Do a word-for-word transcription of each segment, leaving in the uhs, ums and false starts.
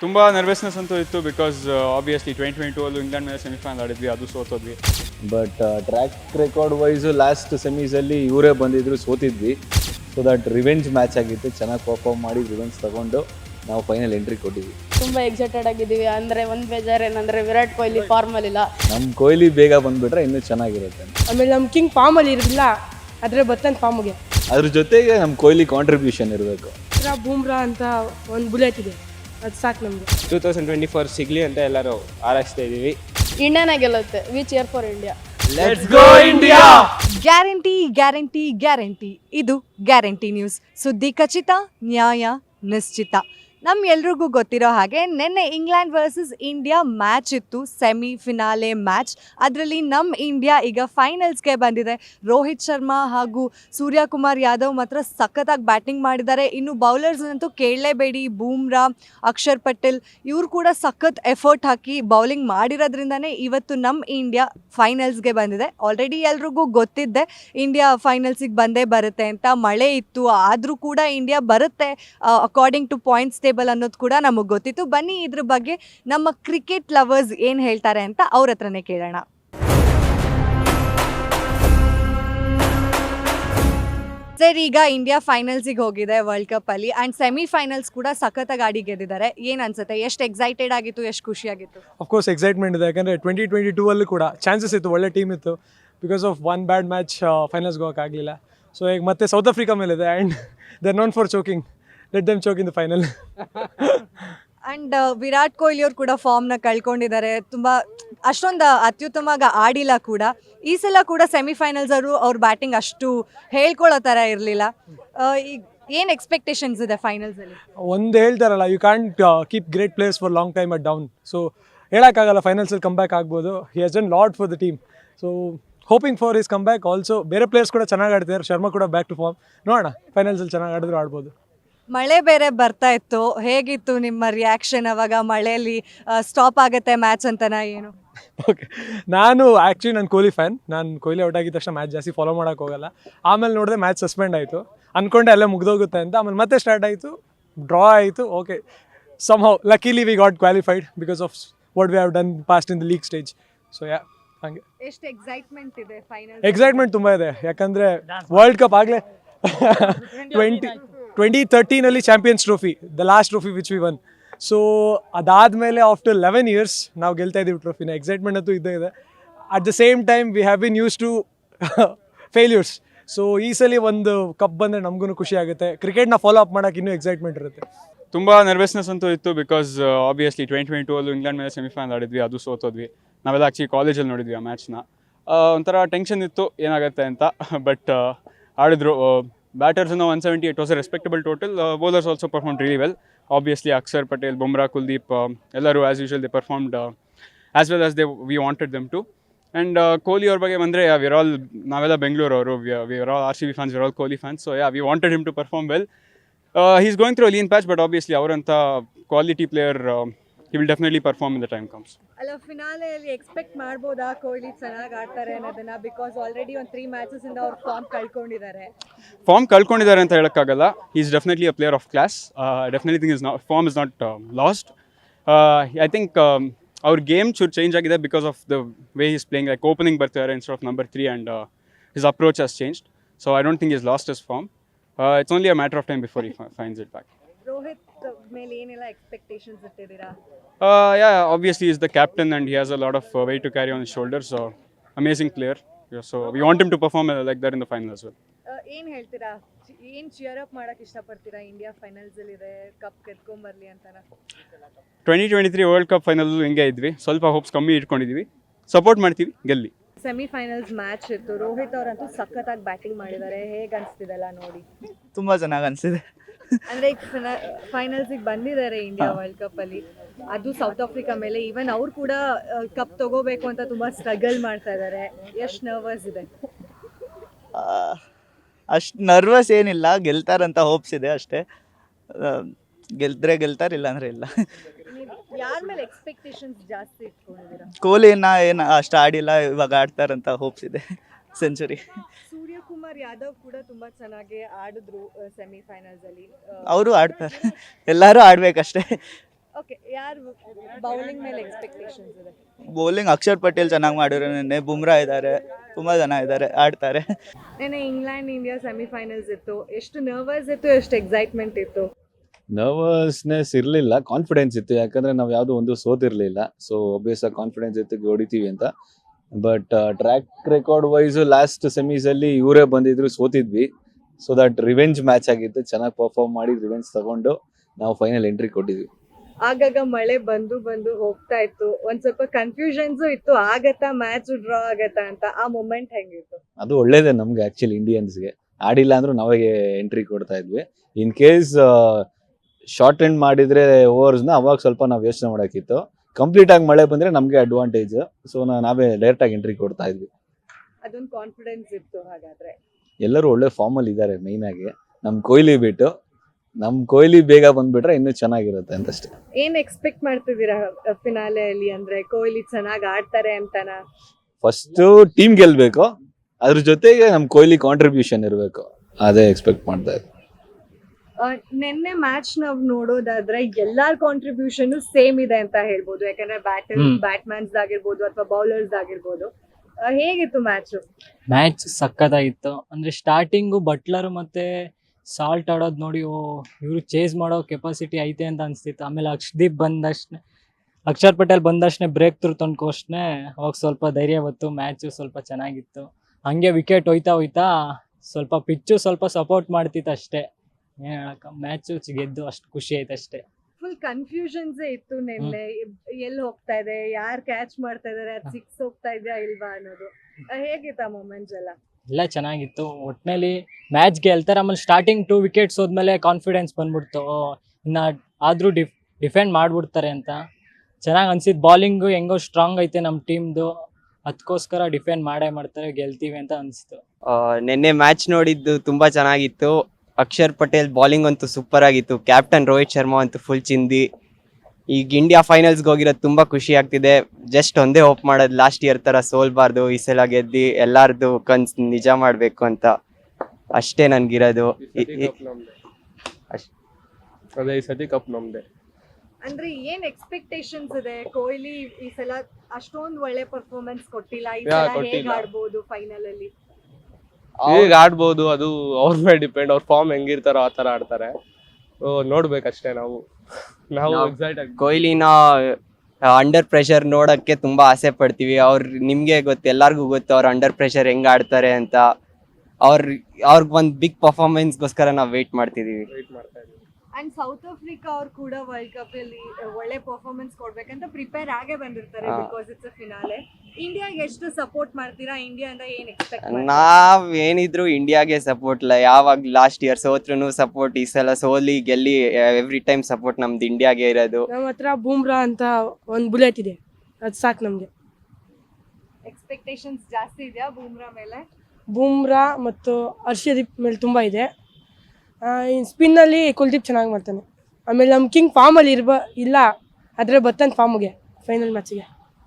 ತುಂಬ ನರ್ವಸ್ನೆಸ್ ಅಂತೂ ಇತ್ತು because obviously twenty twenty two ಅಲ್ಲೂ ಇಂಗ್ಲೆಂಡ್ ಮೇಲೆ ಸೆಮಿಫೈನಲ್ ಆಡಿದ್ವಿ, ಅದು ಸೋತೋದ್ವಿ. But track record wise last ಸೆಮೀಸಲ್ಲಿ ಇವರೇ ಬಂದಿದ್ರು, ಸೋತಿದ್ವಿ. ಸೊ ದಟ್ ರಿವೆಂಜ್ ಮ್ಯಾಚ್ ಆಗಿತ್ತು, ಚೆನ್ನಾಗಿ ಪರ್ಫಾರ್ಮ್ ಮಾಡಿ ರಿವೆಂಜ್ ತಗೊಂಡು ನಾವು ಫೈನಲ್ ಎಂಟ್ರಿ ಕೊಟ್ಟಿದ್ವಿ. ತುಂಬ ಎಕ್ಸೈಟೆಡ್ ಆಗಿದ್ದೀವಿ. ಅಂದರೆ ಒಂದು ಬೇಜಾರು ಏನಂದರೆ ವಿರಾಟ್ ಕೊಹ್ಲಿ ಫಾರ್ಮಲ್ಲಿಲ್ಲ. ನಮ್ಮ ಕೊಹ್ಲಿ ಬೇಗ ಬಂದುಬಿಟ್ರೆ ಇನ್ನೂ ಚೆನ್ನಾಗಿರುತ್ತೆ. ಆಮೇಲೆ ನಮ್ಮ ಕಿಂಗ್ ಫಾರ್ಮಲ್ಲಿ ಇರಲಿಲ್ಲ, ಆದರೆ ಬರ್ತಂತ ಫಾರ್ಮ್ಗೆ. ಅದ್ರ ಜೊತೆಗೆ ನಮ್ಮ ಕೊಹ್ಲಿ ಕಾಂಟ್ರಿಬ್ಯೂಷನ್ ಇರಬೇಕು. ಬೂಮ್ರಾ ಅಂತ ಒಂದು ಬುಲೆಟ್ ಇದೆ, ಅದು ಸಾಕು ನಮಗೆ. ಟೂ ತೌಸಂಡ್ ಟ್ವೆಂಟಿ ಫೋರ್ ಸಿಗಲಿ ಅಂತ ಎಲ್ಲರೂ ಆರೈಸ್ತಾ ಇದ್ದೀವಿ. ಇಂಡಿಯಾನೇ ಗೆಲ್ಲುತ್ತೆ. We cheer for India. Let's go India. Guarantee guarantee guarantee. ಇದು ಗ್ಯಾರಂಟಿ ನ್ಯೂಸ್. ಸುದ್ದಿ ಖಚಿತ, ನ್ಯಾಯ ನಿಶ್ಚಿತ. ನಮ್ಮ ಎಲ್ರಿಗೂ ಗೊತ್ತಿರೋ ಹಾಗೆ ನಿನ್ನೆ ಇಂಗ್ಲೆಂಡ್ ವರ್ಸಸ್ ಇಂಡಿಯಾ ಮ್ಯಾಚ್ ಇತ್ತು, ಸೆಮಿ ಫಿನಾಲೆ ಮ್ಯಾಚ್. ಅದರಲ್ಲಿ ನಮ್ಮ ಇಂಡಿಯಾ ಈಗ ಫೈನಲ್ಸ್ಗೆ ಬಂದಿದೆ. ರೋಹಿತ್ ಶರ್ಮಾ ಹಾಗೂ ಸೂರ್ಯಕುಮಾರ್ ಯಾದವ್ ಮಾತ್ರ ಸಖತ್ತಾಗಿ ಬ್ಯಾಟಿಂಗ್ ಮಾಡಿದ್ದಾರೆ. ಇನ್ನು ಬೌಲರ್ಸ್ ಅಂತೂ ಕೇಳಲೇಬೇಡಿ, ಬೂಮ್ರಾ, ಅಕ್ಷರ್ ಪಟೇಲ್ ಇವರು ಕೂಡ ಸಖತ್ ಎಫರ್ಟ್ ಹಾಕಿ ಬೌಲಿಂಗ್ ಮಾಡಿರೋದ್ರಿಂದನೇ ಇವತ್ತು ನಮ್ಮ ಇಂಡಿಯಾ ಫೈನಲ್ಸ್ಗೆ ಬಂದಿದೆ. ಆಲ್ರೆಡಿ ಎಲ್ರಿಗೂ ಗೊತ್ತಿದ್ದೆ ಇಂಡಿಯಾ ಫೈನಲ್ಸಿಗೆ ಬಂದೇ ಬರುತ್ತೆ ಅಂತ. ಮಳೆ ಇತ್ತು ಆದರೂ ಕೂಡ ಇಂಡಿಯಾ ಬರುತ್ತೆ ಅಕಾರ್ಡಿಂಗ್ ಟು ಪಾಯಿಂಟ್ಸ್ ಟೇಬಲ್ ಅನ್ನೋದು ಕೂಡ ನಮಗೆ ಗೊತ್ತಿತ್ತು. ಬನ್ನಿ ಇದ್ರ ಬಗ್ಗೆ ನಮ್ಮ ಕ್ರಿಕೆಟ್ ಲವರ್ಸ್ ಏನು ಹೇಳ್ತಾರೆ ಅಂತ ಅವ್ರ ಹತ್ರನೇ ಕೇಳೋಣ. ಸರ್, ಈಗ ಇಂಡಿಯಾ ಫೈನಲ್ಸಿಗೆ ಹೋಗಿದೆ ವರ್ಲ್ಡ್ ಕಪ್ ಅಲ್ಲಿ ಆ್ಯಂಡ್ ಸೆಮಿಫೈನಲ್ಸ್ ಕೂಡ ಸಖತ್ತಾಗಿ ಆಡಿ ಗೆದ್ದಿದ್ದಾರೆ. ಏನು ಅನ್ಸುತ್ತೆ? ಎಷ್ಟು ಎಕ್ಸೈಟೆಡ್ ಆಗಿತ್ತು, ಎಷ್ಟು ಖುಷಿಯಾಗಿತ್ತು? ಅಫ್ಕೋರ್ಸ್ ಎಕ್ಸೈಟ್ಮೆಂಟ್ ಇದೆ, ಯಾಕಂದರೆ ಟ್ವೆಂಟಿ ಟ್ವೆಂಟಿ ಟೂ ಅಲ್ಲೂ ಕೂಡ ಚಾನ್ಸಸ್ ಇತ್ತು, ಒಳ್ಳೆ ಟೀಮ್ ಇತ್ತು. Because of one bad match ಫೈನಲ್ಸ್ಗೆ ಹೋಗೋಕ್ಕಾಗಲಿಲ್ಲ. ಸೊ ಈಗ ಮತ್ತೆ ಸೌತ್ ಆಫ್ರಿಕಾ ಮೇಲಿದೆ and they are known for choking. Let them choke in the final. And Virat Kohli ಅವ್ರು ಕೂಡ ಫಾರ್ಮ್ನ ಕಳ್ಕೊಂಡಿದ್ದಾರೆ. ತುಂಬ ಅಷ್ಟೊಂದು ಅತ್ಯುತ್ತಮವಾಗಿ ಆಡಿಲ್ಲ ಕೂಡ. ಈ ಸಲ ಕೂಡ ಸೆಮಿಫೈನಲ್ಸ್ ಅವರು ಅವ್ರ ಬ್ಯಾಟಿಂಗ್ ಅಷ್ಟು ಹೇಳ್ಕೊಳ್ಳೋ ಥರ ಇರಲಿಲ್ಲ. ಈಗ ಏನು ಎಕ್ಸ್ಪೆಕ್ಟೇಷನ್ಸ್ ಇದೆ ಫೈನಲ್ಸಲ್ಲಿ? ಒಂದು ಹೇಳ್ತಾರಲ್ಲ, you can't keep great players for long time at down. So ಹೇಳೋಕ್ಕಾಗಲ್ಲ, ಫೈನಲ್ಸಲ್ಲಿ ಕಮ್ ಬ್ಯಾಕ್ ಆಗ್ಬೋದು. He has done lot for the team. So hoping for his come back. Also ಬೇರೆ ಪ್ಲೇಯರ್ಸ್ ಕೂಡ ಚೆನ್ನಾಗಿ ಆಡ್ತಿದ್ದಾರೆ. ಶರ್ಮಾ ಕೂಡ ಬ್ಯಾಕ್ ಟು ಫಾರ್ಮ್. ನೋಡೋಣ, ಫೈನಲ್ಸಲ್ಲಿ ಚೆನ್ನಾಗಿ ಆಡಿದ್ರು ಆಡ್ಬೋದು. ಮಳೆ ಬೇರೆ ಬರ್ತಾ ಇತ್ತು, ಹೇಗಿತ್ತು ನಿಮ್ಮ ರಿಯಾಕ್ಷನ್ ಅವಾಗ? ಮಳೆಯಲ್ಲಿ ಸ್ಟಾಪ್ ಆಗುತ್ತೆ ಮ್ಯಾಚ್ ಅಂತನಾ ಏನು? ಓಕೆ, ನಾನು ಆ್ಯಕ್ಚುಲಿ ನಾನು ಕೊಹ್ಲಿ ಫ್ಯಾನ್. ನಾನು ಕೊಹ್ಲಿ ಔಟ್ ಆಗಿದ ತಕ್ಷಣ ಮ್ಯಾಚ್ ಜಾಸ್ತಿ ಫಾಲೋ ಮಾಡೋಕೆ ಹೋಗಲ್ಲ. ಆಮೇಲೆ ನೋಡಿದೆ ಮ್ಯಾಚ್ ಸಸ್ಪೆಂಡ್ ಆಯಿತು, ಅಂದ್ಕೊಂಡೆ ಅಲ್ಲೇ ಮುಗ್ದೋಗುತ್ತೆ ಅಂತ. ಆಮೇಲೆ ಮತ್ತೆ ಸ್ಟಾರ್ಟ್ ಆಯಿತು, ಡ್ರಾ ಆಯಿತು. Okay, somehow luckily we got qualified because of what we have done past in the league stage. So yeah, ಹಾಗೆ ಎಷ್ಟು ಎಕ್ಸೈಟ್ಮೆಂಟ್ ಇದೆ ಫೈನಲ್? ಎಕ್ಸೈಟ್ಮೆಂಟ್ ತುಂಬ ಇದೆ, ಯಾಕಂದರೆ ವರ್ಲ್ಡ್ ಕಪ್ ಆಗಲೇ ಟ್ವೆಂಟಿ ಟ್ವೆಂಟಿ ತರ್ಟೀನಲ್ಲಿ champions trophy, the last trophy which we won. So ಅದಾದಮೇಲೆ after eleven years ನಾವು ಗೆಲ್ತಾ ಇದ್ದೀವಿ ಟ್ರೋಫಿನ. ಎಕ್ಸೈಟ್ಮೆಂಟ್ ಅಂತೂ ಇದ್ದೇ ಇದೆ. At the same time we have been use to failures. So ಈ ಸಲ ಒಂದು ಕಪ್ ಬಂದರೆ ನಮಗೂ ಖುಷಿ ಆಗುತ್ತೆ. ಕ್ರಿಕೆಟ್ನ ಫಾಲೋ ಅಪ್ ಮಾಡೋಕೆ ಇನ್ನೂ ಎಕ್ಸೈಟ್ಮೆಂಟ್ ಇರುತ್ತೆ. ತುಂಬ ನರ್ವಸ್ನೆಸ್ ಅಂತೂ ಇತ್ತು because obviously twenty twenty two ಅಲ್ಲೂ ಇಂಗ್ಲೆಂಡ್ ಮೇಲೆ ಸೆಮಿಫೈನಲ್ ಆಡಿದ್ವಿ, ಅದು ಸೋತೋದ್ವಿ. ನಾವೆಲ್ಲ ಆ್ಯಕ್ಚುಲಿ ಕಾಲೇಜಲ್ಲಿ ನೋಡಿದ್ವಿ ಆ ಮ್ಯಾಚ್ನ. ಒಂಥರ ಟೆನ್ಷನ್ ಇತ್ತು ಏನಾಗುತ್ತೆ ಅಂತ. ಬಟ್ ಆಡಿದ್ರು batters one seventy. It was a respectable total. Bowlers also perform really well. Obviously Akshar Patel, Bumrah, Kuldeep ಎಲ್ಲರೂ as usual they performed as well as they we wanted them to. And Kohli ಅವ್ರ ಬಗ್ಗೆ ಬಂದರೆ ವಿರ್ ಆಲ್, ನಾವೆಲ್ಲ ಬೆಂಗಳೂರು ಅವರು, we're all R C B fans, we're all Kohli fans. So yeah, we wanted him to perform well. He is going through a lean patch, but obviously ಅವರಂಥ quality player he will definitely perform when the time comes. ಅಲ್ಲ, ಫಿನಾಲೆಯಲ್ಲಿ expect ಮಾಡ್ಬೋದಾ ಕೊಹ್ಲಿ ಚೆನ್ನಾಗಿ ಆಡ್ತಾರೆ ಅನ್ನೋದನ್ನ? Because already ಒಂದು three matches ಇಂದ ಅವ್ರು form ಕಳ್ಕೊಂಡಿದ್ದಾರೆ. ಫಾರ್ಮ್ ಕಳ್ಕೊಂಡಿದ್ದಾರೆ ಅಂತ ಹೇಳೋಕ್ಕಾಗಲ್ಲ. He is definitely a player of class. Definitely thing is not, form is not lost. I think ಅವ್ರ ಗೇಮ್ ಚೂರು ಚೇಂಜ್ ಆಗಿದೆ because of the way is playing. Like opening ಬರ್ತಾರೆ instead of number three and his approach has changed. So I don't think is lost his form. It's only a matter of time before he finds it back. Rohit ಮೇಲೆ ಏನೆಲ್ಲ expectations ಇಟ್ಟಿದ್ದೀರಾ? Uh, yeah, obviously he's the captain and he has a lot of uh, weight to carry on his shoulders. So, amazing player. Yeah, so, we want him to perform uh, like that in the final as well. ಏನು ಹೇಳ್ತೀರಾ? ಏನು cheer up ಮಾಡೋಕ್ಕೆ ಇಷ್ಟಪಡ್ತೀರಾ? India ಫೈನಲ್ಸಲ್ಲಿ ಇದೆ, cup ಗೆದ್ಕೊಂಬರಲಿ ಅಂತಾನ? Twenty twenty three world cup final ಹಿಂಗೆ ಇದ್ವಿ, ಸ್ವಲ್ಪ ಹೋಪ್ಸ್ ಕಮ್ಮಿ ಇಟ್ಕೊಂಡಿದ್ದೀವಿ. ಸಪೋರ್ಟ್ ಮಾಡ್ತೀವಿ, ಗೆಲ್ಲಿ. ಸೆಮಿಫೈನಲ್ಸ್ ಮ್ಯಾಚ್ ಇತ್ತು. ರೋಹಿತ್ ಅವರಂತೂ ಸಖತ್ತಾಗಿ ಬ್ಯಾಟಿಂಗ್ ಮಾಡಿದ್ದಾರೆ. ಹೇಗೆ ಅನಿಸ್ತಿದೆಲ್ಲ ನೋಡಿ? ತುಂಬ ಚೆನ್ನಾಗಿ ಅನಿಸಿದೆ. ಅಂದರೆ ಈಗ ಫೈನಲ್ಸಿಗೆ ಬಂದಿದ್ದಾರೆ ಇಂಡಿಯಾ ವರ್ಲ್ಡ್ ಕಪ್ಪಲ್ಲಿ, ಅದು ಸೌತ್ ಆಫ್ರಿಕಾ ಮೇಲೆ. ಈವನ್ ಅವ್ರು ಕೂಡ ಕಪ್ ತಗೋಬೇಕು ಅಂತ ತುಂಬ ಸ್ಟ್ರಗಲ್ ಮಾಡ್ತಾ ಇದ್ದಾರೆ. ಎಷ್ಟು ನರ್ವಸ್ ಇದೆ? ಅಷ್ಟು ನರ್ವಸ್ ಏನಿಲ್ಲ, ಗೆಲ್ತಾರಂತ ಹೋಪ್ಸ್ ಇದೆ ಅಷ್ಟೇ. ಗೆಲ್ದ್ರೆ ಗೆಲ್ತಾರಿಲ್ಲ ಅಂದರೆ ಇಲ್ಲ. ಯಾರ ಮೇಲೆ ಎಕ್ಸ್ಪೆಕ್ಟೇಷನ್ಸ್ ಜಾಸ್ತಿ ಇಟ್ಕೊಂಡಿದ್ದೀರಾ? ಕೊಹ್ಲಿನ ಏನು ಅಷ್ಟು ಆಡಿಲ್ಲ, ಇವಾಗ ಆಡ್ತಾರಂತ ಹೋಪ್ಸ್ ಇದೆ. ಸೆಂಚುರಿ. ಸೂರ್ಯಕುಮಾರ್ ಯಾದವ್ ಕೂಡ ತುಂಬಾ ಚೆನ್ನಾಗಿ ಆಡಿದ್ರು ಸೆಮಿಫೈನಲ್ಸ್ ಅಲ್ಲಿ. ಅವರು ಆಡ್ತಾರೆ, ಎಲ್ಲರೂ ಆಡ್ಬೇಕಷ್ಟೇ. ಓಕೆ ಯಾರು ಬೌಲಿಂಗ್ ಮೇಲೆ ಎಕ್ಸ್ಪೆಕ್ಟೇಷನ್ಸ್ ಇದೆ? ಬೌಲಿಂಗ್ ಅಕ್ಷರ್ ಪಟೇಲ್ ಚೆನ್ನಾಗಿ ಮಾಡಿದ್ರು ನಿನ್ನೆ. ಬುಮ್ರಾ ಇದ್ದಾರೆ, ತುಂಬ ಜನ ಇದ್ದಾರೆ, ಆಡ್ತಾರೆ. ನೆನ್ನೆ ಇಂಗ್ಲೆಂಡ್ ಇಂಡಿಯಾ ಸೆಮಿಫೈನಲ್ಸ್ ಇತ್ತು. ಎಷ್ಟು ನರ್ವಸ್ ಇತ್ತು, ಎಷ್ಟು ಎಕ್ಸೈಟ್ಮೆಂಟ್ ಇತ್ತು? ನರ್ವಸ್ನೆಸ್ ಇರಲಿಲ್ಲ, ಕಾನ್ಫಿಡೆನ್ಸ್ ಇತ್ತು. ಯಾಕಂದ್ರೆ ನಾವು ಯಾವುದೋ ಒಂದು ಸೋತಿರಲಿಲ್ಲ, ಸೊ ಒಬ್ವಿಯಸ್ ಆಗಿ ಕಾನ್ಫಿಡೆನ್ಸ್ ಇತ್ತು ಹೊಡಿತೀವಿ ಅಂತ. But track record wise last ಸೆಮೀಸಲ್ಲಿ ಇವರೇ ಬಂದಿದ್ರು, ಸೋತಿದ್ವಿ. ಸೊ ದಟ್ ರಿವೆಂಜ್ ಮ್ಯಾಚ್ ಆಗಿತ್ತು. ಚೆನ್ನಾಗಿ ಪರ್ಫಾರ್ಮ್ ಮಾಡಿ ರಿವೆಂಜ್ ತಗೊಂಡು ನಾವು ಫೈನಲ್ ಎಂಟ್ರಿ ಕೊಟ್ಟಿದ್ವಿ. ಆಗಾಗ ಮಳೆ ಬಂದು ಬಂದು ಹೋಗ್ತಾ ಇತ್ತು, ಒಂದ್ ಸ್ವಲ್ಪ ಕನ್ಫ್ಯೂಷನ್ಸ್ ಇತ್ತು, ಆಗತ್ತಾ ಮ್ಯಾಚ್ ಡ್ರಾ ಆಗತ್ತಾ ಅಂತ. ಆ ಮೂಮೆಂಟ್ ಹೆಂಗಿತ್ತು? ಅದು ಒಳ್ಳೇದೇ ನಮ್ಗೆ ಆಕ್ಚುಲಿ ಇಂಡಿಯನ್ಸ್ಗೆ. ಆಡಿಲ್ಲ ಅಂದ್ರೂ ನಾವೇ ಎಂಟ್ರಿ ಕೊಡ್ತಾ ಇದ್ವಿ. ಇನ್ ಕೇಸ್ ಶಾರ್ಟ್ ಎಂಡ್ ಮಾಡಿದ್ರೆ ಓವರ್ಸ್ನ, ಅವಾಗ ಸ್ವಲ್ಪ ನಾವು ಯೋಚನೆ ಮಾಡೋಕ್ಕಿತ್ತು. ಕಂಪ್ಲೀಟ್ ಆಗಿ ಮಳೆ ಬಂದ್ರೆ ನಮ್ಗೆ ಅಡ್ವಾಂಟೇಜ್, ಸೊ ನಾವೇ ಡೈರೆಕ್ಟ್ ಆಗಿ ಎಂಟ್ರಿ ಕೊಡ್ತಾ ಇದ್ವಿ. ಅದೊಂದು ಕಾನ್ಫಿಡೆನ್ಸ್ ಇತ್ತು ಹಾಗಾದ್ರೆ. ಎಲ್ಲರೂ ಒಳ್ಳೆ ಫಾರ್ಮ್ ಅಲ್ಲಿ ಇದ್ದಾರೆ. ಮೈನ್ ಆಗಿ ನಮ್ ಕೊಹ್ಲಿ ಬಿಟ್ಟು, ನಮ್ ಕೊಹ್ಲಿ ಬೇಗ ಬಂದ್ಬಿಟ್ರೆ ಇನ್ನೂ ಚೆನ್ನಾಗಿರುತ್ತೆ ಅಂತಷ್ಟೇ. ಏನ್ ಎಕ್ಸ್ಪೆಕ್ಟ್ ಮಾಡ್ತಿದ್ದೀರಾ ಫಿನಾಲೆಯಲ್ಲಿ? ಅಂದ್ರೆ ಕೊಹ್ಲಿ ಚೆನ್ನಾಗಿ ಆಡ್ತಾರೆ ಅಂತನ? ಫಸ್ಟ್ ಟೀಮ್ ಗೆಲ್ಬೇಕು, ಅದ್ರ ಜೊತೆಗೆ ನಮ್ ಕೊಹ್ಲಿ ಕಾಂಟ್ರಿಬ್ಯೂಷನ್ ಇರಬೇಕು, ಅದೇ ಎಕ್ಸ್ಪೆಕ್ಟ್ ಮಾಡ್ತಾ ಇದ್ದೆ. ನಿನ್ನೆ ಮ್ಯಾಚ್ ನಾವ್ ನೋಡೋದಾದ್ರೆ ಎಲ್ಲಾರ್ ಕಾಂಟ್ರಿಬ್ಯೂಷನ್ ಸೇಮ್ ಇದೆ ಅಂತ ಹೇಳ್ಬೋದು. ಯಾಕಂದ್ರೆ ಬ್ಯಾಟರ್ ಬ್ಯಾಟ್ಮನ್ಸ್ ಆಗಿರ್ಬೋದು ಅಥವಾ ಬೌಲರ್ಸ್ ಆಗಿರ್ಬೋದು. ಆ, ಹೇಗಿತ್ತು ಮ್ಯಾಚ್? ಮ್ಯಾಚ್ ಸಕ್ಕತ್ತಾಗಿತ್ತು. ಅಂದ್ರೆ ಸ್ಟಾರ್ಟಿಂಗು ಬಟ್ಲರ್ ಮತ್ತೆ ಸಾಲ್ಟ್ ಆಡೋದು ನೋಡಿ, ಓ ಇವರು ಚೇಸ್ ಮಾಡೋ ಕೆಪಾಸಿಟಿ ಐತೆ ಅಂತ ಅನ್ಸ್ತಿತ್ತು. ಆಮೇಲೆ ಅಕ್ಷದೀಪ್ ಬಂದಷ್ಟೇ, ಅಕ್ಷರ್ ಪಟೇಲ್ ಬಂದಷ್ಟೇ ಬ್ರೇಕ್ ಥ್ರೂ ತಂದ್ಕೋಷ್ಟೇ ಅವಾಗ ಸ್ವಲ್ಪ ಧೈರ್ಯ ಬಂತು. ಮ್ಯಾಚು ಸ್ವಲ್ಪ ಚೆನ್ನಾಗಿತ್ತು. ಹಂಗೆ ವಿಕೆಟ್ ಹೋಯ್ತಾ ಹೋಯ್ತಾ ಸ್ವಲ್ಪ ಪಿಚ್ಚು ಸ್ವಲ್ಪ ಸಪೋರ್ಟ್ ಮಾಡ್ತಿತ್ತು ಅಷ್ಟೇ. ಏನ್ ಹೇಳಕ್ಕ, ಮ್ಯಾಚು ಗೆದ್ದು ಅಷ್ಟು ಖುಷಿ ಆಯ್ತು ಅಷ್ಟೇ. ಫುಲ್ ಕನ್ಫ್ಯೂಷನ್ಸ್ ಇತ್ತು ನಿನ್ನೆ. ಎಲ್ಲಿ ಹೋಗ್ತಾ ಇದೆ, ಯಾರು ಕ್ಯಾಚ್ ಮಾಡ್ತಾ ಇದಾರೆ, ಅದು ಸಿಕ್ಸ್ ಹೋಗ್ತಾ ಇದೆಯಾ ಇಲ್ವಾ ಅನ್ನೋದು. ಆ, ಹೇಗಿತ್ತು ಆ ಮೂಮೆಂಟ್ಸ್ ಎಲ್ಲ? ಎಲ್ಲ ಚೆನ್ನಾಗಿತ್ತು. ಒಟ್ಟಿನಲ್ಲಿ ಮ್ಯಾಚ್ ಗೆಲ್ತಾರೆ. ಆಮೇಲೆ ಸ್ಟಾರ್ಟಿಂಗ್ ಟೂ ವಿಕೆಟ್ಸ್ ಹೋದ್ಮೇಲೆ ಕಾನ್ಫಿಡೆನ್ಸ್ ಬಂದ್ಬಿಡ್ತು, ಓ, ಇನ್ನು ಆದರೂ ಡಿಫ್ ಡಿಫೆಂಡ್ ಮಾಡ್ಬಿಡ್ತಾರೆ ಅಂತ. ಚೆನ್ನಾಗಿ ಅನ್ಸಿದ್ದು. ಬಾಲಿಂಗು ಹೆಂಗೋ ಸ್ಟ್ರಾಂಗ್ ಐತೆ ನಮ್ಮ ಟೀಮ್ದು, ಅದಕ್ಕೋಸ್ಕರ ಡಿಫೆಂಡ್ ಮಾಡೇ ಮಾಡ್ತಾರೆ, ಗೆಲ್ತೀವಿ ಅಂತ ಅನಿಸ್ತು. ನಿನ್ನೆ ಮ್ಯಾಚ್ ನೋಡಿದ್ದು ತುಂಬ ಚೆನ್ನಾಗಿತ್ತು. ಅಕ್ಷರ್ ಪಟೇಲ್ ಬಾಲಿಂಗ್ ಅಂತೂ ಸೂಪರ್ ಆಗಿತ್ತು. ಕ್ಯಾಪ್ಟನ್ ರೋಹಿತ್ ಶರ್ಮಾ ಅಂತೂ ಫುಲ್ ಚಿಂದಿ. ಈಗ ಇಂಡಿಯಾ ಫೈನಲ್ಸ್ಗೆ ಹೋಗಿರೋದು ತುಂಬ ಖುಷಿ ಆಗ್ತಿದೆ. ಜಸ್ಟ್ ಒಂದೇ ಹೋಪ್ ಮಾಡೋದು, ಲಾಸ್ಟ್ ಇಯರ್ ಥರ ಸೋಲ್ಬಾರ್ದು, ಈ ಸಲ ಗೆದ್ದು ಎಲ್ಲಾರ್ದು ಕನ್ಸ್ ನಿಜ ಮಾಡಬೇಕು ಅಂತ ಅಷ್ಟೇ ನನ್ಗಿರೋದು. ಅದೇ ಈ ಸತಿ ಕಪ್ ನಮ್ದೆ. ಅಂದ್ರೆ ಏನ್ ಎಕ್ಸ್ಪೆಕ್ಟೇಷನ್ಸ್ ಇದೆ? ಕೊಹ್ಲಿ ಈ ಸಲ ಅಷ್ಟೊಂದು ಒಳ್ಳೆ ಪರ್ಫಾರ್ಮೆನ್ಸ್ ಕೊಟ್ಟಿಲ್ಲ, ಈ ಯಾ, ಸಲ ಹೇಗ್ ಕೊಟ್ಟಿಲ್ಲ. ಆಡ್ಬೋದು ಫೈನಲ್ ಅಲ್ಲಿ? ಈಗ ಆಡ್ಬೋದು, ಅದು ಅವ್ರ ಮೇಲೆ ಡಿಪೆಂಡ್. ಅವ್ರ ಫಾರ್ಮ್ ಹೆಂಗಿರ್ತಾರೋ ಆ ತರ ಆಡ್ತಾರೆ. ಸೊ ನೋಡ್ಬೇಕಷ್ಟೇ ನಾವು ನಾವು ನಾವು ಎಕ್ಸೈಟ್ ಆಗಿ. ಕೊಹ್ಲಿನ ಅಂಡರ್ ಪ್ರೆಷರ್ ನೋಡೋಕ್ಕೆ ತುಂಬ ಆಸೆ ಪಡ್ತೀವಿ. ಅವ್ರು ನಿಮಗೆ ಗೊತ್ತು, ಎಲ್ಲರಿಗೂ ಗೊತ್ತು ಅವ್ರು ಅಂಡರ್ ಪ್ರೆಷರ್ ಹೆಂಗೆ ಆಡ್ತಾರೆ ಅಂತ. ಅವ್ರ ಅವ್ರಿಗೆ ಒಂದು ಬಿಗ್ ಪರ್ಫಾರ್ಮೆನ್ಸ್ಗೋಸ್ಕರ ನಾವು ವೆಯ್ಟ್ ಮಾಡ್ತಿದ್ದೀವಿ. ವೇಟ್ ಮಾಡ್ತಾ ಇದ್ದೀವಿ. ಅಂಡ್ ಸೌತ್ ಆಫ್ರಿಕಾ ಅವ್ರು ಕೂಡ ವರ್ಲ್ಡ್ ಕಪ್ ಅಲ್ಲಿ ಒಳ್ಳೆ ಪರ್ಫಾರ್ಮೆನ್ಸ್ ಕೊಡ್ಬೇಕಂತ ಪ್ರಿಪೇರ್ ಆಗೇ ಬಂದಿರ್ತಾರೆ, ಹಾ. Because it's finale. ಇಂಡಿಯಾಗೆ ಎಷ್ಟು ಸಪೋರ್ಟ್ ಮಾಡ್ತೀರಾ? ಇಂಡಿಯಾ ಅಂತ ಏನ್ ಎಕ್ಸ್ಪೆಕ್ಟ್ ನಾವ್ ಏನಿದ್ರು ಇಂಡಿಯಾಗೆ ಸಪೋರ್ಟ್ ಇಲ್ಲ. ಯಾವಾಗ ಲಾಸ್ಟ್ ಇಯರ್ ಸೋತ್ರು ಸಪೋರ್ಟ್, ಈ ಸಲ ಸೋಲಿ ಗೆಲ್ಲಿ ಎವ್ರಿ ಟೈಮ್ ಸಪೋರ್ಟ್ ನಮ್ದು ಇಂಡಿಯಾಗೆ ಇರೋದು. ನಮ್ಮ ಹತ್ರ ಬೂಮ್ರಾ ಅಂತ ಒಂದು ಬುಲೆಟ್ ಇದೆ, ಅದು ಸಾಕು ನಮಗೆ. ಎಕ್ಸ್ಪೆಕ್ಟೇಷನ್ಸ್ ಜಾಸ್ತಿ ಇದೆಯಾ ಬೂಮ್ರಾ ಮೇಲೆ? ಬೂಮ್ರಾ ಮತ್ತು ಹರ್ಷದೀಪ್ ಮೇಲೆ ತುಂಬ ಇದೆ. ಸ್ಪಿನ್ನಲ್ಲಿ ಕುಲ್ದೀಪ್ ಚೆನ್ನಾಗಿ ಮಾಡ್ತಾನೆ. ಆಮೇಲೆ ನಮ್ಮ ಕಿಂಗ್ ಫಾರ್ಮಲ್ಲಿ ಇರ್ಬ ಇಲ್ಲ ಆದರೆ ಬರ್ತಾನೆ ಫಾರ್ಮ್ಗೆ ಫೈನಲ್ ಮ್ಯಾಚಿಗೆ.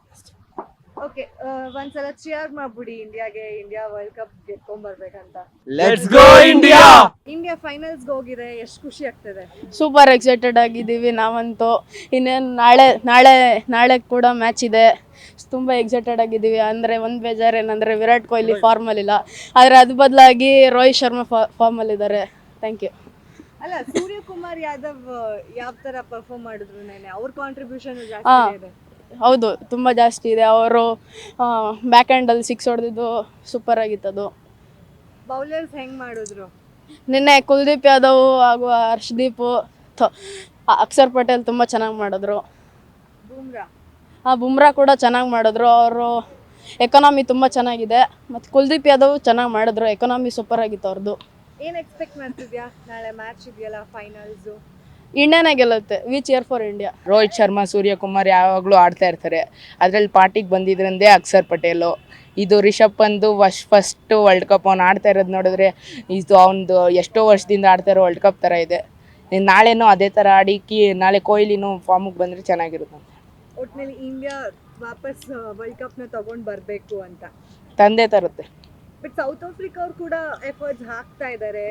ಓಕೆ, ಒಂದ್ಸಲ ಚಿಯರ್ ಮಾಡ್ಬಿಡಿ ಇಂಡಿಯಾಗೆ, ಇಂಡಿಯಾ ವರ್ಲ್ಡ್ ಕಪ್ ಗೆದ್ಕೊಂಡ್ ಬರ್ಬೇಕಂತ. Let's go India! India finals ಹೋಗಿದೆ, ಎಷ್ಟು ಖುಷಿ ಆಗ್ತದೆ? ಸೂಪರ್ ಎಕ್ಸೈಟೆಡ್ ಆಗಿದ್ದೀವಿ ನಾವಂತೂ. ಇನ್ನೇನು ನಾಳೆ ನಾಳೆ ನಾಳೆ ಕೂಡ ಮ್ಯಾಚ್ ಇದೆ, ತುಂಬ ಎಕ್ಸೈಟೆಡ್ ಆಗಿದ್ದೀವಿ. ಅಂದರೆ ಒಂದು ಬೇಜಾರು ಏನಂದರೆ ವಿರಾಟ್ ಕೊಹ್ಲಿ ಫಾರ್ಮಲ್ಲಿಲ್ಲ, ಆದರೆ ಅದು ಬದಲಾಗಿ ರೋಹಿತ್ ಶರ್ಮಾ ಫಾ ಫಾರ್ಮಲ್ಲಿದ್ದಾರೆ. Thank you. ಅಲ್ಲ, ಸೂರ್ಯಕುಮಾರ್ ಯಾದವ್ ಯಾವ ತರ ಪರ್ಫಾರ್ಮ್ ಮಾಡಿದ್ರು ನೆನೆ? ಅವ್ರ ಕಾಂಟ್ರಿಬ್ಯೂಷನ್ ಹಾ. ಜಾಸ್ತಿ ಇದೆ. ಹೌದು, ತುಂಬ ಜಾಸ್ತಿ ಇದೆ. ಅವರು ಬ್ಯಾಕ್ ಹ್ಯಾಂಡಲ್ಲಿ ಸಿಕ್ಸ್ ಹೊಡೆದಿದ್ದು ಸೂಪರ್ ಆಗಿತ್ತದು. ಬೌಲರ್ಸ್ ಹೆಂಗ್ ಮಾಡಿದ್ರು? ನಿನ್ನೆ ಕುಲ್ದೀಪ್ ಯಾದವ್ ಹಾಗೂ ಹರ್ಷದೀಪ್, ಥ- ಅಕ್ಷರ್ ಪಟೇಲ್ ತುಂಬ ಚೆನ್ನಾಗಿ ಮಾಡಿದ್ರು. ಬೂಮ್ರಾ ಆ ಬುಮ್ರಾ ಕೂಡ ಚೆನ್ನಾಗಿ ಮಾಡಿದ್ರು. ಅವರು ಎಕಾನಮಿ ತುಂಬ ಚೆನ್ನಾಗಿದೆ. ಮತ್ತು ಕುಲ್ದೀಪ್ ಯಾದವ್ ಚೆನ್ನಾಗಿ ಮಾಡಿದ್ರು. ಎಕಾನಮಿ ಸೂಪರ್ ಆಗಿತ್ತು ಅವ್ರದ್ದು. ಏನ್ ಎಕ್ಸ್ಪೆಕ್ಟ್ ಮಾಡ್ತಿದ್ಯಾ? ನಾಳೆ ಮ್ಯಾಚ್ ಇದೆಯಲ್ಲ ಫೈನಲ್ಸ್. ಇಂಡಿಯಾನೇ ಗೆಲ್ಲುತ್ತೆ. We cheer for India. Rohit Sharma, Suryakumar ಯಾವಾಗಲೂ ಆಡ್ತಾ ಇರ್ತಾರೆ. ಅದರಲ್ಲಿ ಪಾರ್ಟಿಗೆ ಬಂದಿದ್ರಂದೇ ಅಕ್ಷರ್ ಪಟೇಲು. ಇದು Rishabh Pant was first world cup ಅವ್ನು ಆಡ್ತಾ ಇರೋದು ನೋಡಿದ್ರೆ ಇದು ಅವನದು ಎಷ್ಟೋ ವರ್ಷದಿಂದ ಆಡ್ತಾ ಇರೋ ವರ್ಲ್ಡ್ ಕಪ್ ಥರ ಇದೆ. ನಾಳೆನೂ ಅದೇ ಥರ ಆಡಿ ಕಿ ನಾಳೆ ಕೊಹ್ಲಿನೂ ಫಾರ್ಮಿಗೆ ಬಂದರೆ ಚೆನ್ನಾಗಿರುತ್ತೆ. ಒಟ್ಟಿನಲ್ಲಿ ಇಂಡಿಯಾ ವಾಪಸ್ ವರ್ಲ್ಡ್ ಕಪ್ನ ತಗೊಂಡು ಬರಬೇಕು ಅಂತ ತಂದೆ ತರುತ್ತೆ. ಬಟ್ ಸೌತ್ ಆಫ್ರಿಕಾ ಅವ್ರು ಕೂಡ ಎಫರ್ಟ್ಸ್ ಹಾಕ್ತಾ ಇದ್ದಾರೆ.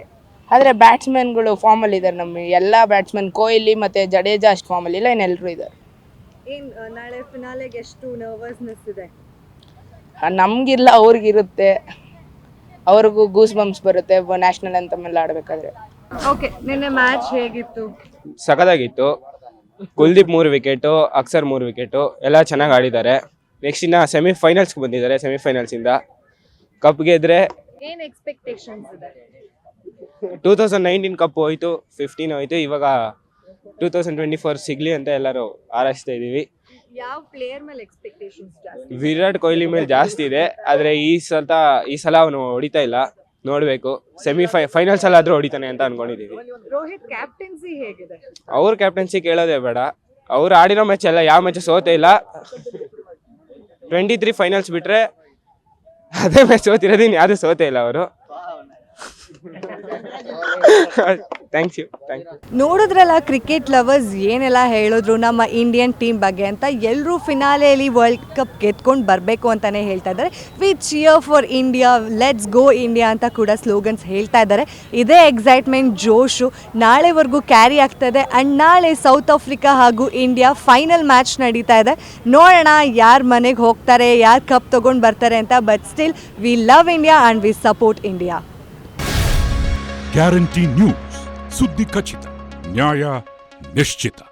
ಆದರೆ ಬ್ಯಾಟ್ಸ್ಮನ್ಗಳು ಫಾರ್ಮಲ್ಲಿ ಇದ್ದಾರೆ. ನಮ್ಮ ಎಲ್ಲ ಬ್ಯಾಟ್ಸ್ಮನ್ ಕೊಹ್ಲಿ ಮತ್ತು ಜಡೇಜಾ ಅಷ್ಟು ಫಾರ್ಮಲ್ಲಿ ಇಲ್ಲ, ಇನ್ನೆಲ್ಲರೂ ಇದ್ದಾರೆ. ಏನ್ ಆ, ನಾಳೆ ಫಿನಾಲೆಗೆ ಎಷ್ಟು ನರ್ವಸ್ನೆಸ್ ಇದೆ? ನಮಗಿಲ್ಲ, ಅವ್ರಿಗಿರುತ್ತೆ. ಅವ್ರಿಗೂ ಗೂಸ್ ಬಂಪ್ಸ್ ಬರುತ್ತೆ ನ್ಯಾಷನಲ್ ಅಂತಮ್ ಎಲ್ಲ ಆಡಬೇಕಾದ್ರೆ. ಓಕೆ, ನಿನ್ನೆ ಮ್ಯಾಚ್ ಹೇಗಿತ್ತು? ಸಖತ್ತಾಗಿತ್ತು. ಕುಲ್ದೀಪ್ ಮೂರು ವಿಕೆಟು, ಅಕ್ಷರ್ ಮೂರು ವಿಕೆಟು, ಎಲ್ಲ ಚೆನ್ನಾಗಿ ಆಡಿದ್ದಾರೆ. ನೆಕ್ಸ್ಟ್ ಇನ್ನು ಸೆಮಿಫೈನಲ್ಸ್ಗೆ ಬಂದಿದ್ದಾರೆ. ಸೆಮಿಫೈನಲ್ಸಿಂದ ಕಪ್ ಗೆದ್ರೆ ಏನ್ ಎಕ್ಸ್ಪೆಕ್ಟೇಷನ್ಸ್ ಇದೆ? ಟೂ ತೌಸಂಡ್ ನೈನ್ಟೀನ್ ಕಪ್ ಹೋಯ್ತು, ಫಿಫ್ಟೀನ್ ಹೋಯ್ತು, ಇವಾಗ ಟೂ ತೌಸಂಡ್ ಟ್ವೆಂಟಿ ಫೋರ್ ಸಿಗಲಿ ಅಂತ ಎಲ್ಲರೂ ಹಾರೈಸ್ತಾ ಇದ್ದೀವಿ. ಯಾವ ಪ್ಲೇಯರ್ ಮೇಲೆ ಎಕ್ಸ್ಪೆಕ್ಟೇಷನ್ಸ್ ಜಾಸ್ತಿ? ವಿರಾಟ್ ಕೊಹ್ಲಿ ಮೇಲೆ ಜಾಸ್ತಿ ಇದೆ, ಆದರೆ ಈ ಸಲ ಈ ಸಲ ಅವನು ಹೊಡಿತಾ ಇಲ್ಲ. ನೋಡಬೇಕು, ಸೆಮಿಫೈ ಫೈನಲ್ಸ್ ಅಲ್ಲಾದರೂ ಹೊಡಿತಾನೆ ಅಂತ ಅನ್ಕೊಂಡಿದ್ದೀವಿ. ರೋಹಿತ್ ಕ್ಯಾಪ್ಟನ್ಸಿ ಹೇಗಿದೆ? ಅವ್ರ ಕ್ಯಾಪ್ಟನ್ಸಿ ಕೇಳೋದೇ ಬೇಡ. ಅವ್ರು ಆಡಿರೋ ಮ್ಯಾಚ್ ಎಲ್ಲ ಯಾವ ಮ್ಯಾಚ್ ಸೋತೇ ಇಲ್ಲ. ಟ್ವೆಂಟಿ ತ್ರೀ ಫೈನಲ್ಸ್ ಬಿಟ್ಟರೆ ಅದೇ ಮ್ಯಾಚ್ ಸೋತಿರೋದು, ಇನ್ನು ಯಾವುದೂ ಸೋತೇ ಇಲ್ಲ ಅವರು. ಥ್ಯಾಂಕ್ಸ್ ಯು ಥ್ಯಾಂಕ್ ಯು ನೋಡಿದ್ರಲ್ಲ ಕ್ರಿಕೆಟ್ ಲವರ್ಸ್ ಏನೆಲ್ಲ ಹೇಳಿದ್ರು ನಮ್ಮ ಇಂಡಿಯನ್ ಟೀಮ್ ಬಗ್ಗೆ ಅಂತ. ಎಲ್ಲರೂ ಫಿನಾಲೆಯಲ್ಲಿ ವರ್ಲ್ಡ್ ಕಪ್ ಗೆದ್ಕೊಂಡು ಬರಬೇಕು ಅಂತಲೇ ಹೇಳ್ತಾ ಇದ್ದಾರೆ. We cheer for India, let's go India ಅಂತ ಕೂಡ ಸ್ಲೋಗನ್ಸ್ ಹೇಳ್ತಾ ಇದ್ದಾರೆ. ಇದೇ ಎಕ್ಸೈಟ್ಮೆಂಟ್, ಜೋಶು ನಾಳೆವರೆಗೂ ಕ್ಯಾರಿ ಆಗ್ತದೆ. ಆ್ಯಂಡ್ ನಾಳೆ ಸೌತ್ ಆಫ್ರಿಕಾ ಹಾಗೂ ಇಂಡಿಯಾ ಫೈನಲ್ ಮ್ಯಾಚ್ ನಡೀತಾ ಇದೆ. ನೋಡೋಣ ಯಾರು ಮನೆಗೆ ಹೋಗ್ತಾರೆ, ಯಾರು ಕಪ್ ತೊಗೊಂಡು ಬರ್ತಾರೆ ಅಂತ. But still we love India and we support India. Guarantee news, ಸುದ್ದಿ ಖಚಿತ, ನ್ಯಾಯ ನಿಶ್ಚಿತ.